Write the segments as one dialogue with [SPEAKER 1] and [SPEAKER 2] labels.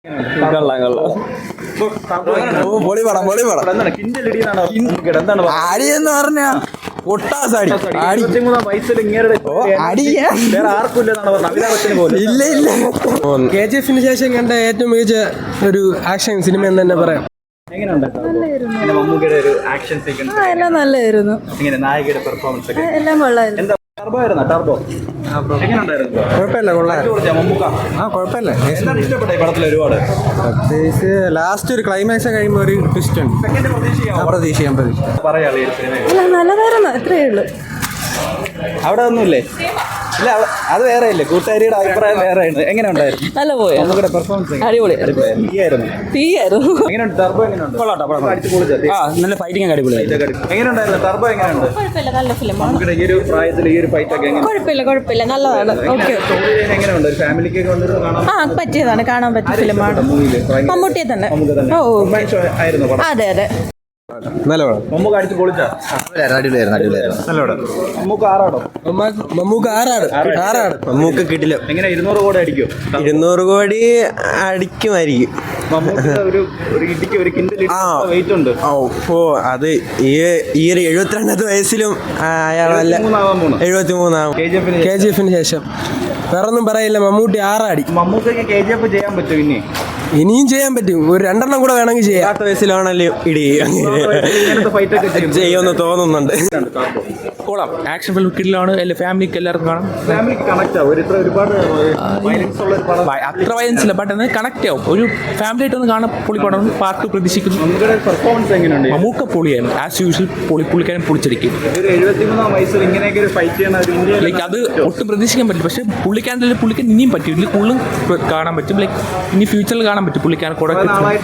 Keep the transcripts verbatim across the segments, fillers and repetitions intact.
[SPEAKER 1] അടിയെന്ന് പറഞ്ഞ ഒട്ടാസടി ഇല്ല ഇല്ല. കെ ജി എഫിന് ശേഷം കണ്ട ഏറ്റവും മികച്ച ഒരു ആക്ഷൻ സിനിമ എന്ന് തന്നെ പറയാം.
[SPEAKER 2] എല്ലാം നല്ലായിരുന്നു. എല്ലാം കൊള്ളായിരുന്നു.
[SPEAKER 1] കുഴപ്പമില്ല, കുഴപ്പമില്ല. പ്രത്യേകിച്ച് ലാസ്റ്റ് ഒരു ക്ലൈമാക്സ് കഴിയുമ്പോൾ ഒരു ട്വിസ്റ്റ് ഉണ്ട്. പ്രതീക്ഷിക്കാൻ പ്രതീക്ഷ
[SPEAKER 2] നല്ലതായിരുന്നു, അത്രയേ ഉള്ളൂ.
[SPEAKER 3] അവിടെ ഒന്നുമില്ലേ? ഇല്ല, അത് വേറെ ഇല്ലേ. കൂട്ടുകാരിയുടെ അഭിപ്രായം വേറെ ആണ്. എങ്ങനെ ഉണ്ടായിരുന്നു?
[SPEAKER 2] നല്ല പോയി.
[SPEAKER 3] പെർഫോമൻസ്
[SPEAKER 2] അടിപൊളി.
[SPEAKER 3] തീയായിരുന്നു. എങ്ങനെയുണ്ട് ടർബോ? എങ്ങനെയുണ്ട്?
[SPEAKER 1] നല്ല ഫൈറ്റിംഗ് അടിപൊളിയായി.
[SPEAKER 3] എങ്ങനെയുണ്ടായിരുന്നു ടർബോ? എങ്ങനെയുണ്ട്?
[SPEAKER 2] കുഴപ്പമില്ല, നല്ല ഫിലിമാണ്.
[SPEAKER 3] ഈ ഒരു പ്രായത്തിൽ ഈ ഒരു ഫൈറ്റ് ഒക്കെ എങ്ങനെ?
[SPEAKER 2] കുഴപ്പമില്ല, കുഴപ്പമില്ല, നല്ലതാണ്. ഓക്കെ.
[SPEAKER 3] എങ്ങനെയുണ്ട്? ഒരു ഫാമിലിക്ക് കാണാൻ
[SPEAKER 2] ആ പറ്റിയതാണ്, കാണാൻ പറ്റിയ ഫിലിമാണ്. മമ്മൂട്ടിയെ തന്നെ. ഓ
[SPEAKER 3] ആയിരുന്നു.
[SPEAKER 2] അതെ അതെ.
[SPEAKER 1] നല്ല പടം.
[SPEAKER 3] മമ്മൂക്ക് അടിച്ച് പൊളിച്ചാ? മമ്മൂക്ക് ആറാടോ?
[SPEAKER 1] മമ്മൂക്ക് ആറാട് ആറാട് മമ്മൂക്ക് കിട്ടില്ല.
[SPEAKER 3] എങ്ങനെ ഇരുന്നൂറ് കോടി അടിക്കും?
[SPEAKER 1] ഇരുന്നൂറ് കോടി അടിക്കുമായിരിക്കും.
[SPEAKER 3] ഒരു ഇടിക്ക് ഒരു കിൻഡൽ വെയിറ്റ് ഉണ്ട്.
[SPEAKER 1] ഓ അത് ഈ ഈ ഒരു എഴുപത്തിരണ്ടാമത്തെ വയസ്സിലും അയാൾ നല്ല എഴുപത്തി മൂന്നാവും. കെ ജി എഫിന് ശേഷം വേറൊന്നും പറയില്ല. മമ്മൂട്ടി ആറാടി.
[SPEAKER 3] മമ്മൂക്ക് കെ ജി എഫ് ചെയ്യാൻ പറ്റും ഇനി?
[SPEAKER 1] ഇനിയും ചെയ്യാൻ പറ്റും. ഒരു രണ്ടെണ്ണം കൂടെ വേണമെങ്കിൽ ചെയ്യാം. പത്ത് വയസ്സിലാണല്ലോ ഇടി ചെയ്യുമെന്ന് തോന്നുന്നുണ്ട്.
[SPEAKER 4] കൊള്ളാം. ആക്ഷൻ ഫിലിം കിഡിലാണ്. എല്ലാ ഫാമിലിക്ക് എല്ലാവർക്കും കാണാം.
[SPEAKER 3] ഫാമിലിക്ക് കണക്ട് ആവും. ഒരുപാട്
[SPEAKER 4] അത്ര വയലൻസ് ഇല്ല, ബട്ട് അത് കണക്ട് ആവും. ഒരു ഫാമിലി ആയിട്ടൊന്ന് കാണാൻ പൊളിപ്പടം. പാർട്ട് പ്രതീക്ഷിക്കുന്നു.
[SPEAKER 3] പെർഫോമൻസ് എങ്ങനെയുണ്ട്?
[SPEAKER 4] മമ്മൂക്ക പൊളിയായിരുന്നു. ആസ് യൂഷ്വൽ പൊളി പുള്ളിക്കാരൻ പൊളിച്ചടിക്കും.
[SPEAKER 3] എഴുപത്തിമൂന്നാം വയസ്സിൽ ഇങ്ങനെയൊക്കെ ഒരു ഫൈറ്റ് ചെയ്യണം.
[SPEAKER 4] ലൈക്ക് അത് ഒട്ടും പ്രതീക്ഷിക്കാൻ പറ്റില്ല. പക്ഷേ പുള്ളിക്കാരൻ്റെ പുള്ളിക്ക് ഇനിയും പറ്റും. ഇതിൽ കൂടുതലും കാണാൻ പറ്റും. ലൈക്ക് ഇനി ഫ്യൂച്ചറിൽ കാണാൻ പറ്റും പുള്ളിക്കാരൻ കൂടെ.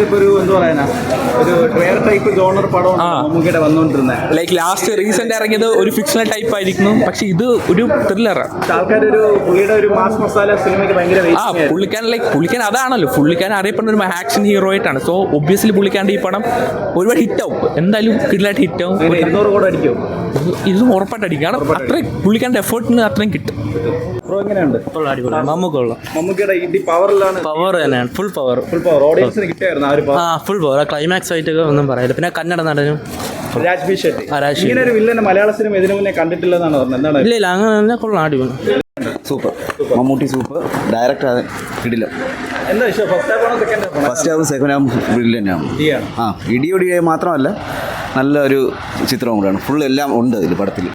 [SPEAKER 4] ലൈക്ക് ലാസ്റ്റ് റീസെന്റ് ഇറങ്ങിയത് ഒരു ഫിക്ഷണൽ ടൈപ്പ് ആയിരിക്കുന്നു. പക്ഷെ ഇത് ഒരു ത്രില്ലറാണ്. ആ പുള്ളിക്കാരൻ ലൈക്ക് പുള്ളിക്കാരൻ അതാണല്ലോ. പുള്ളിക്കാരൻ അറിയപ്പെടുന്ന ഒരു ആക്ഷൻ ഹീറോ ആയിട്ടാണ്. സോ ഒബ്വിയസ്ലി പുള്ളിക്കാരൻ്റെ ഈ പടം ഒരുപാട് ഹിറ്റ് ആവും. എന്തായാലും കിഡിലായിട്ട് ഹിറ്റ് ആവും. ഇതും ഉറപ്പായിട്ട് അടിക്കും. കാരണം അത്രയും പുള്ളിക്കാരൻ്റെ എഫേർട്ടിന് അത്രയും കിട്ടും.
[SPEAKER 5] പവർ തന്നെയാണ്. ഫുൾ പവർ ആ ഫുൾ പവർ. ക്ലൈമാക്സ് ആയിട്ടൊക്കെ ഒന്നും പറയില്ല. പിന്നെ കന്നഡ നടനും
[SPEAKER 3] മലയാള സിനിമ ഇതിനു മുന്നേ കണ്ടിട്ടില്ലെന്നാണ് പറഞ്ഞത്.
[SPEAKER 5] ഇല്ല ഇല്ല അങ്ങനെ തന്നെ കൊള്ളാം. അടിപൊളി.
[SPEAKER 6] സൂപ്പർ. മമ്മൂട്ടി സൂപ്പർ. ഡയറക്ടർ കിടില്ല. First half second half brilliant ആണ്. ആ ഇടിയൊടി മാത്രമല്ല, നല്ലൊരു ചിത്രം കൂടെയാണ്. ഫുൾ എല്ലാം ഉണ്ട് ഇതിൽ പടത്തിൽ.